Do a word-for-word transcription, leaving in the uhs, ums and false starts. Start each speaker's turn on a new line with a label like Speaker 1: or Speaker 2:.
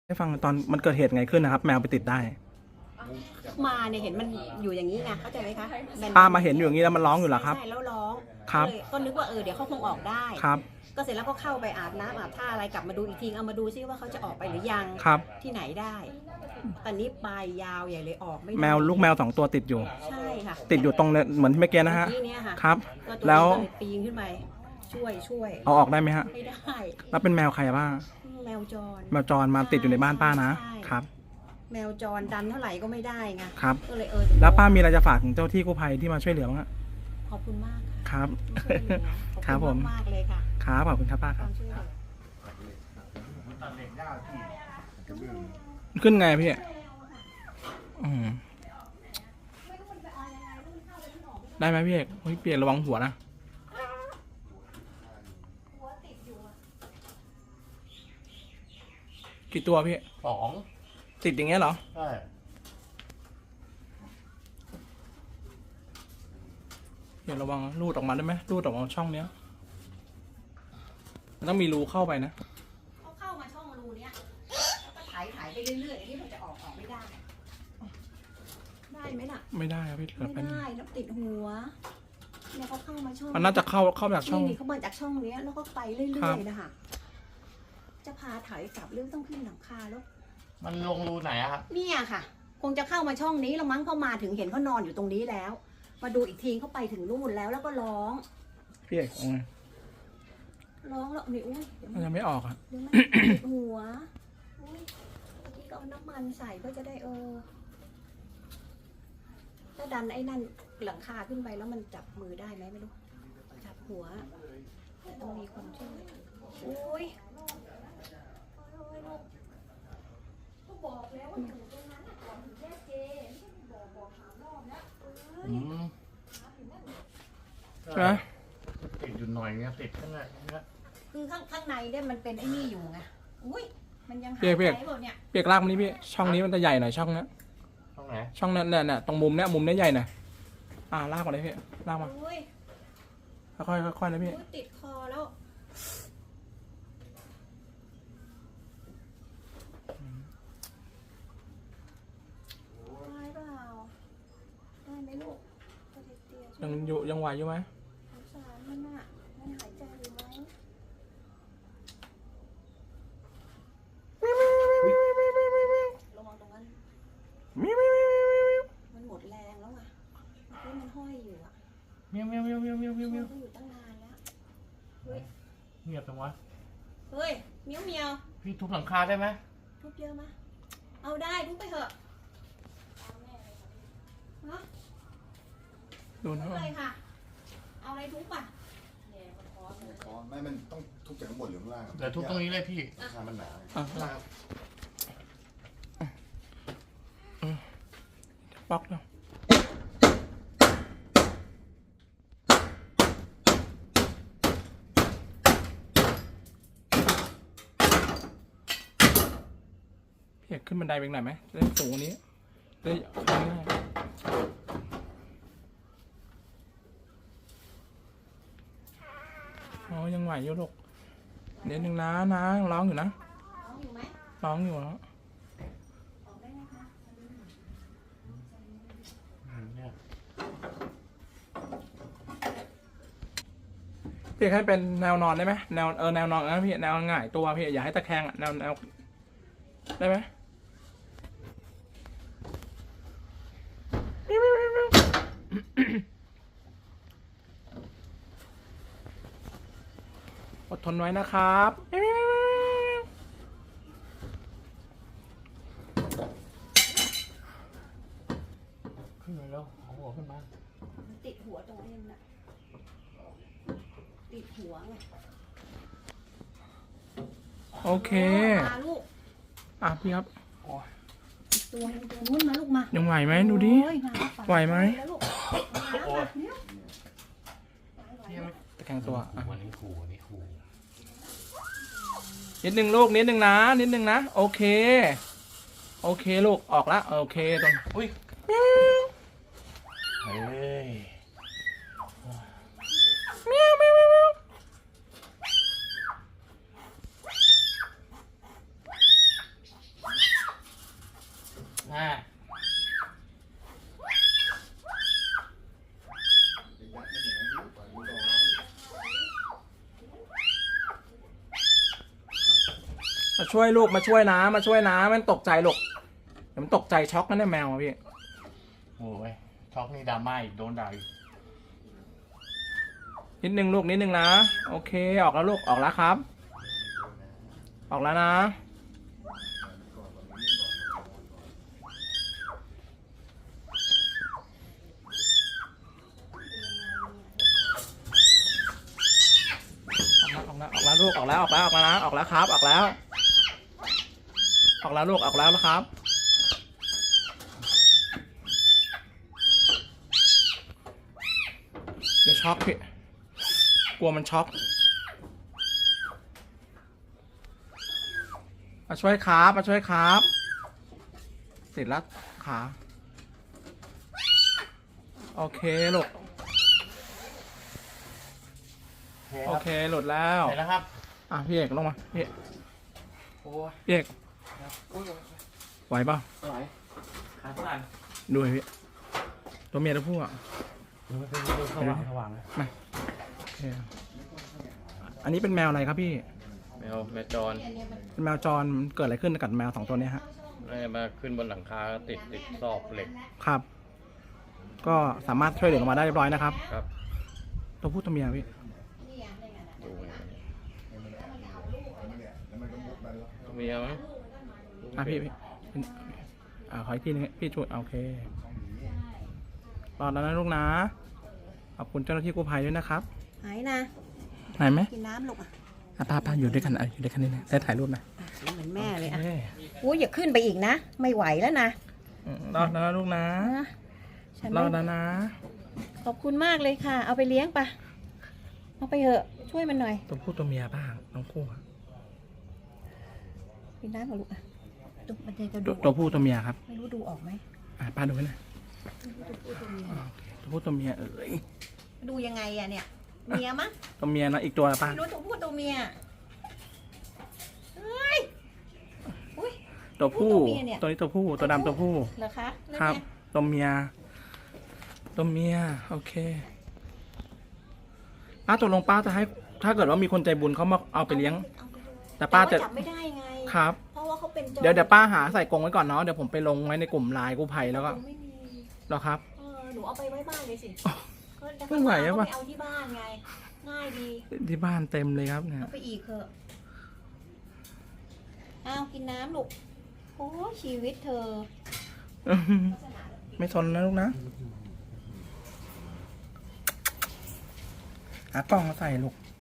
Speaker 1: ให้ฟังตอนมันเกิดเหตุไงขึ้นนะครับ แมวไปติดได้
Speaker 2: มาเนี่ยเห็นมันอยู่อย่างนี้ไงเข้าใจไหมคะ
Speaker 1: ป้ามาเห็นอยู่อย่างนี้แล้วมันร้องอยู่เหรอครับ
Speaker 2: ใช่แล้วร้อง
Speaker 1: ครับ
Speaker 2: ก็นึกว่าเออเดี๋ยวเขาคงออกได้
Speaker 1: ครับ
Speaker 2: ก็เสร็จแล้วก็เข้าไปอาบน้ำอาบท่าอะไรกลับมาดูอีกทีเอามาดูซิว่าเขาจะออกไปหรือยัง
Speaker 1: ครับ
Speaker 2: ที่ไหนได้ตอนนี้ปลายยาวใหญ่เลยออกไม่
Speaker 1: แมวลูกแมวสองตัวติดอยู่
Speaker 2: ใช่ค่ะ
Speaker 1: ติดอยู่ตรงเหมือนเมื่อกี้นะฮะครับแล้ว
Speaker 2: ปีนขึ้นไปช่วยช่วย
Speaker 1: เอาออกได้ไหมฮะ
Speaker 2: ไม่ได้
Speaker 1: แล้วเป็นแมวใครบ้าง
Speaker 2: แมวจร
Speaker 1: แมวจรมาติดอยู่ในบ้านป้านะครับ
Speaker 2: แมวจรดันเท่าไหร่ก็ไม่ได้ไง
Speaker 1: ครับ
Speaker 2: ก็เลยเออ
Speaker 1: แล้วป้ามีอะไรจะฝากถึงเจ้าที่กู้ภัยที่มาช่วยเหลือบ้าง
Speaker 2: ขอบคุณมาก
Speaker 1: ครับครับผม
Speaker 2: มากเลยค่ะ
Speaker 1: ครับขอบคุณครับป้าครับขึ้นไงพี่อืมได้ไหมพี่เอกเปลี่ยนระวังหัวนะกี่ตัวพี่
Speaker 3: สอง
Speaker 1: ติดอย่างเงี้ยเหรอ
Speaker 3: ใช่
Speaker 1: เดี๋ยวระวังรูดออกมาได้ไหมรูดออกมาช่องเนี้ยมันต้องมีรูเข้าไปนะ
Speaker 2: เขาเข้ามาช่องรูเนี้ยแล้วก็ถ่ายถ่ายไปเรื่อยๆที่มันจะออกออกไม่ได้ได้ไหมล่ะ
Speaker 1: ไม่ได้ครับพี่
Speaker 2: ไม่ได้แล้วติดหัวเนี่ยเขาเข้ามาช่อง
Speaker 1: มันน่าจะเข้าเข้าจากช่อง
Speaker 2: นี่เขามาจากช่องเนี้ยแล้วก็ไปเรื่อยๆนะคะจะพาถ่ายกลับเรื่องต้องขึ้นหลังคาแล้ว
Speaker 3: มันลงรูไหนอะครับ
Speaker 2: เนี่ยค่ะคงจะเข้ามาช่องนี้แล้วมั้งเข้ามาถึงเห็นเขานอนอยู่ตรงนี้แล้วมาดูอีกทีเขาไปถึงนู่นแล้วแล้วก็ร้อง
Speaker 1: พี่เอกเอาไง
Speaker 2: ร้องแล้วนี่อุ้ย
Speaker 1: มันยังไม่ออกอ่ะ
Speaker 2: เดี๋ยวมันติดหัวอุ้ยนี่ก็เอาน้ำมันใส่เพื่อจะได้เออถ้าดันไอ้นั่นหลังคาขึ้นไปแล้วมันจับมือได้ไหมไม่รู้จับหัวแต่ต้องมีคนช่วยอุ้ยบอกแล้วว่าอยู่ตรงนั้นก่อนถึงแยกเจบอกบอกสามรอบแล้ว
Speaker 3: อืม
Speaker 1: ใช่ไหม
Speaker 3: ติดอยู่หน่อยเงี้ยติดข้างในเนี้ย
Speaker 2: คือข้างข้างในเนี่ยมันเป็นไอ้นี่อยู่ไงอุ้ยมันยังหาย
Speaker 1: ใจ
Speaker 2: หมดเนี่ย
Speaker 1: เปียกลากมันนี่พี่ช่องนี้มันจะใหญ่หน่อยช่องนี้
Speaker 3: ช่องไหน
Speaker 1: ช่องนั้นเนี่ยตรงมุมเนี้ยมุมเนี้ยใหญ่หน่อยอ่าลากมาเลยพี่ลากมาค่อยๆค่อยๆนะพี่
Speaker 2: ติดคอแล้วได้เปล่าได้ไหมลูก
Speaker 1: ยังอยู่ยังไหวอยู่ไหม
Speaker 2: สงสารมันอ่ะมันหายใจอยู่ไหมระวังตรงนั้นมันหมดแรงแล้วไงที่มันห้อยอยู่อ่ะ
Speaker 3: เมียวเมียวเมียวเมียวเมียวเมียวเมียว
Speaker 2: อยู่ตั้งนานแล้วเฮ้ย
Speaker 3: เงียบจังวะ
Speaker 2: เฮ้ยเมียวเมียว
Speaker 3: พี่ทุบหลังคาได้ไหม
Speaker 2: ทุบเยอะไหมเอาได้ทุบไปเถอะ
Speaker 1: ดูนะ
Speaker 2: อะไรค่ะเอาอะไรทุบป่ะ
Speaker 4: ไม่มันต้องทุบจากข้างบนหรือข้างล่าง
Speaker 3: เดี๋ยวทุบตรงนี้เลยพี่
Speaker 4: ราคามันหนา
Speaker 1: ป๊อกเนาะพี่อยากขึ้นบันไดไปหน่อยไหมจะได้สูงกว่านี้ได้ง่ายอ๋อยังไหวอยู่ลูกเดี๋ยวหนึ่งนะนะร้องอยู่นะ
Speaker 2: ร้องอยู่ไหม
Speaker 1: ร้องอยู่แล้วพี่ให้เป็นแนวนอนได้ไหมแนวเออแนวนอนนะพี่แนวง่ายตัวพี่อย่าให้ตะแคงอ่ะแนวแนวได้ไหมอดทนไว้นะครับ
Speaker 3: ขึ้นมาแล้วเอาหัวขึ้นมา
Speaker 2: ติดหัวตรงนี้นะติดหัวไง
Speaker 1: โอเค
Speaker 2: มาลูก
Speaker 1: อ่ะพี่ครับ
Speaker 2: ตัวนู้นมาลูกมา
Speaker 1: ยังไหวไหมดูดิไหวไหมตะแคงตัว
Speaker 3: วันนี้ขู่วันนี้ขู่
Speaker 1: นิดนึงลูกนิดนึงนะนิดนึงนะโอเคโอเคลูกออกละโอเคตรง
Speaker 3: อุ้ยเฮ้ย
Speaker 1: เมียวเมียวเมียวมาช่วยลูกมาช่วยนะมาช่วยนะมันตกใจลูกเดี๋ยวมันตกใจช็อกนะเนี่ยแมวอะพี่
Speaker 3: โอ้ยช็อกนี่ดราม่าอีกโดนด่าอีก
Speaker 1: นิดนึงลูกนิดนึงนะโอเคออกแล้วลูกออกแล้วครับ ออกแล้วนะออกแล้วออกแล้วลูกออกแล้วออกแล้วออกแล้วนะออกแล้วครับออกแล้ว ออกแล้วลูกออกแล้วนะครับเดี๋ยวช็อกพี่กลัวมันช็อกมาช่วยครับมาช่วยครับติดแล้วขาโอเคลูกโอเคหลุดแล้ว
Speaker 3: ไหนแล้วครับ
Speaker 1: อ่ะพี่เอกลงมาพี่
Speaker 3: โอ้ย
Speaker 1: พี่เอก
Speaker 3: โอ้ย
Speaker 1: ไหวเปล่า
Speaker 3: ไหวขาเท่าไหร่
Speaker 1: ดูให้พี่ตัวเมียตัวผู้อ่ะ
Speaker 3: มันเป็นสว่างสว่างเลย
Speaker 1: โอเคอันนี้เป็นแมวอะไรครับพี่
Speaker 5: แมวแมวจร
Speaker 1: เป็นแมวจรเกิดอะไรขึ้นกับแมวสองตัวเนี้ยฮะ
Speaker 5: น่าจะมาขึ้นบนหลังคาแล้วติดติดซอกเหล็ก
Speaker 1: ครับ ก็สามารถช่วยเหลือออกมาได้เรียบร้อยนะครับ
Speaker 5: ครับ
Speaker 1: ตัวผู้ตัวเมียพี่
Speaker 5: ดูไง
Speaker 4: แล้วมันก็มุดมาแล้ว
Speaker 5: เมียมั้ง
Speaker 1: อ่ะพี่พี่เป็นอ่าขออีกทีนึงพี่ช่วยโอเครอแล้วนะลูกนะขอบคุณเจ้าหน้าที่กู้ภัยด้วยนะครับ
Speaker 2: หายนะ
Speaker 1: หายไหม
Speaker 2: กินน้ำลูกอ่ะ
Speaker 1: อ่ะป้าป้าอยู่ด้วยกันอ่ะอยู่ด้วยกันนี่นะได้ถ่ายรูปนะ
Speaker 2: อ่ะเหมือนแม่เลยอ่ะ
Speaker 1: โอค
Speaker 2: อุ้ยอย่าขึ้นไปอีกนะ ไม่ไหวแล้วนะ
Speaker 1: อืมรอดแล้วนะลูกนะ
Speaker 2: นะฉัน
Speaker 1: รอ
Speaker 2: ไม่
Speaker 1: ดแล้วนะ
Speaker 2: ขอบคุณมากเลยค่ะ เอาไปเลี้ยงปะเอาไปเถอะช่วยมันหน่อย
Speaker 1: ตัวผู้ตัวเมียบ้างน้องคู่อะ
Speaker 2: กินน้ำกับลูกอ่ะดูมันจะ
Speaker 1: ตั
Speaker 2: ดู
Speaker 1: วตัวผู้ตัวเมียครับ
Speaker 2: ไม่รู้ดูออกไหม
Speaker 1: อ่ะป้าดูไว้หน่อย
Speaker 2: ตัวผู้ตัวเมีย
Speaker 1: อ่าโอเคตัวผู้ตัวเมียเอ้ย
Speaker 2: ดูยังไงอะเนี่ยเมียมั้ง
Speaker 1: ตัวเมียนะอีกตัวละป้า
Speaker 2: ไม่รู้ตัวผู้ตัวเมียเฮ้ยอุ้ย
Speaker 1: ตัวผู้
Speaker 2: ตัวเมียเนี่ย
Speaker 1: ตัวนี้ตัวผู้ตัวดำตัวผู้
Speaker 2: เหรอคะแล้ว
Speaker 1: ครับ
Speaker 2: ไง
Speaker 1: ตัวเมียตัวเมียโอเคป้าตกลงป้าจะให้ ถ้าเกิดว่ามีคนใจบุญเขามาเอาไปเลี้ยง
Speaker 2: เอาไปเลย
Speaker 1: แต่ป้าจะ
Speaker 2: ว่จับไม่ได้ไง
Speaker 1: ครับ
Speaker 2: เพราะว่าเขาเป็นโจร
Speaker 1: เดี๋ยวเดี๋ยวป้าหาใส่กรงไว้ก่อนเนาะเดี๋ยวผมไปลงไว้ในกลุ่มไลน์กู้ภัยแล้วก็
Speaker 2: ไม่มี
Speaker 1: เหรอครับ
Speaker 2: เออหนูเอาไปไว้บ้านเลยสิ
Speaker 1: อ๋อ
Speaker 2: ก็จะ
Speaker 1: ไม่ไหวอะ
Speaker 2: เขา
Speaker 1: วะ
Speaker 2: ไปเอาที่บ้านไง ง่ายดี
Speaker 1: ที่บ้านเต็มเลยครับเนี่ย
Speaker 2: เอาไปอีกเถอะอ้าวกินน้ำลูก โอ้ชีวิตเธอ
Speaker 1: ไม่ทนนะลูกนะหากล้องมาใส่ลูก